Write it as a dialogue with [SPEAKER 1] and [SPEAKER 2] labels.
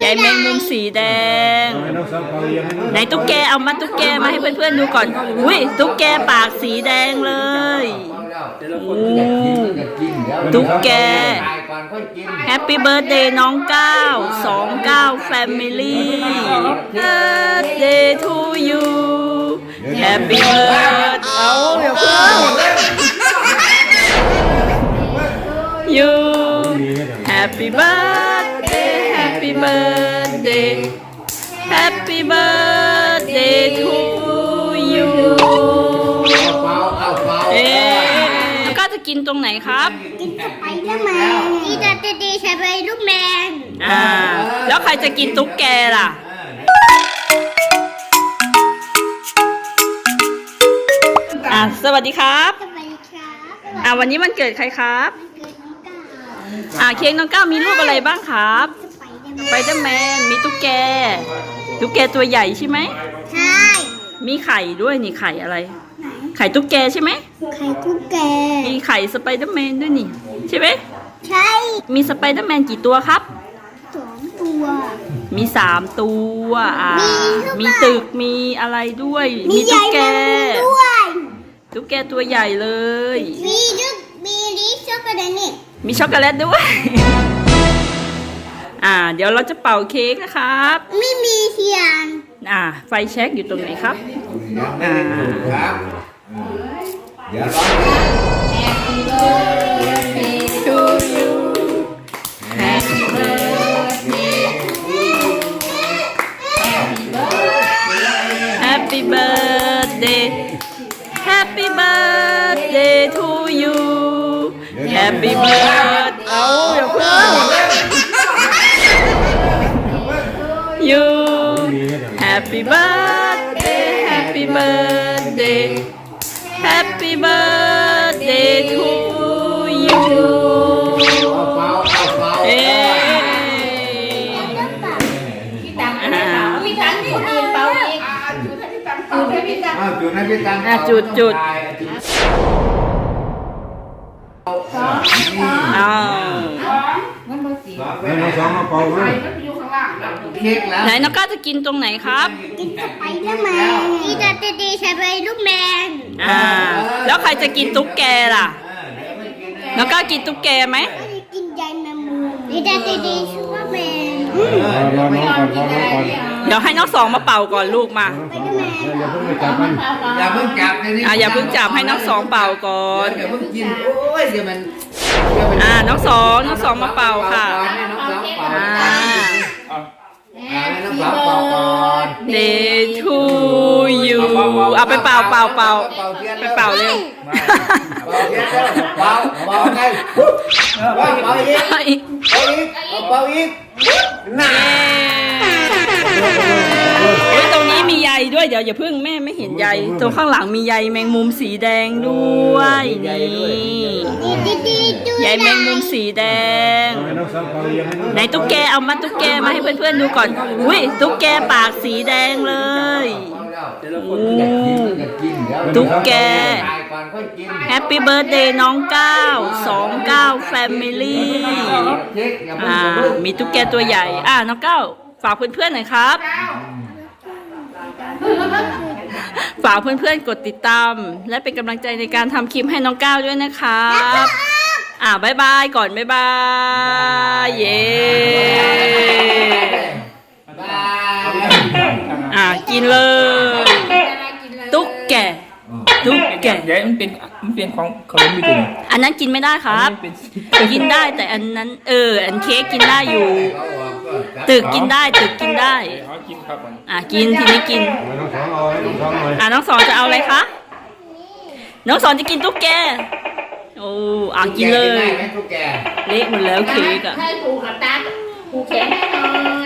[SPEAKER 1] ใยแมงมุมสีแดงไหนตุ๊กแกเอามาตุ๊กแกมาให้เพื่อนๆดูก่อนอุ้ยตุ๊กแกปากสีแดงเลยตุ๊กแกแฮปปี้เบิร์ธเดย์น้อง929 Family Birthday to you Happy birthday เอาอย่าเพิ่ง you Happy birthday Happy birthday Happy birthday to you แล้วก็จะกินตรงไหนครับ
[SPEAKER 2] กินสไปเดอร์แมนนี่จะดีใช่ไหมลูกแมน
[SPEAKER 1] แล้วใครจะกินตุ๊กแกล่ะสวัสดีครับ
[SPEAKER 2] สวัสดีครับ
[SPEAKER 1] วันนี้วันเกิดใครครับเค้กน้องก้าวมีรูปอะไรบ้างครับสไปเดอร์แมนมีตุ๊กแกตัวใหญ่ใช่ไหม
[SPEAKER 2] ใช่
[SPEAKER 1] มีไข่ด้วยนี่ไข่อะไรไข่ตุ๊กแกใช่ไหม
[SPEAKER 2] ไข่ตุ๊กแก
[SPEAKER 1] มีไข่สไปเดอร์แมนด้วยนี่ใช่ไหม
[SPEAKER 2] ใช่
[SPEAKER 1] มีสไปเดอร์แมนกี่ตัวครับ
[SPEAKER 2] 2 ตัว
[SPEAKER 1] มี3 ตัวมีตึกมีอะไรด้วยมีตุ๊กแกตัวใหญ่เลย
[SPEAKER 2] มีช็อกโกแลตนี่
[SPEAKER 1] มีช็อกโกแลตด้วยเดี๋ยวเราจะเป่าเค้กนะครับ
[SPEAKER 2] ไม่มีเทียน
[SPEAKER 1] ไฟแช็กอยู่ตรงไหนครับHappy birthday Happy birthday to you Happy birthday เอาอย่าเพิ่ง you Happy birthday Happy birthday Happy birthday to you จุดไหนน้องก้าจะกินตรงไหนครับ
[SPEAKER 2] กินสไปเดอร์แมนนี่จะดีใช่ไหมลูกแมน
[SPEAKER 1] แล้วใครจะกินตุ๊กแกล่ะน้องก้ากินตุ๊กแกไหม
[SPEAKER 2] กินใยแมงมุมนี่จะดีชื่อว่าแมน
[SPEAKER 1] เดี๋ยวให้น้อง2มาเป่าก่อนลูกมา
[SPEAKER 3] อย่าเพิ่งจับ
[SPEAKER 1] อย่าเพิ่งจับให้น้อง2เป่าก่อน
[SPEAKER 3] อย่าเพิ่งกินโอ้ยเดี๋ยวมัน
[SPEAKER 1] น้อง2มาเป่าค่ะDay to you เอาไปเป่าไปเป่าเร็ว
[SPEAKER 3] เป่าไงเป่าอีกน่า
[SPEAKER 1] ตรงนี้มีใยด้วยเดี๋ยวอย่าเพิ่งแม่ไม่เห็นใยตรงข้างหลังมีใยแมงมุมสีแดงด้วยนี่ใยแมงมุมสีแดงไหนตุ๊กแกเอามาตุ๊กแกมาให้เพื่อนๆดูก่อนอุ้ยตุ๊กแกปากสีแดงเลยตุ๊กแกแฮปปี้เบิร์ธเดย์น้อง929 Family มีตุ๊กแกตัวใหญ่น้อง9ฝากเพื่อนๆหน่อยครับฝากเพื่อนๆกดติดตามและเป็นกำลังใจในการทำคลิปให้น้องก้าวด้วยนะครับบ๊ายบายก่อนบ๊ายบายเย้กินเลยตุ๊กแกเ
[SPEAKER 4] ดี๋ยวมันเป็นของขนมอยู่ตรงนี้
[SPEAKER 1] อันนั้นกินไม่ได้ครับกินได้แต่อันนั้นอันเค้กกินได้อยู่ตึกกินได้กินทีนี้กินน้อง2จะเอาอะไรคะน้อง2จะกินตุ๊กแกกินเลยเละหมดแล้วเค้ก
[SPEAKER 2] ให้ผูกกับตาผูกแขนให้หน่อย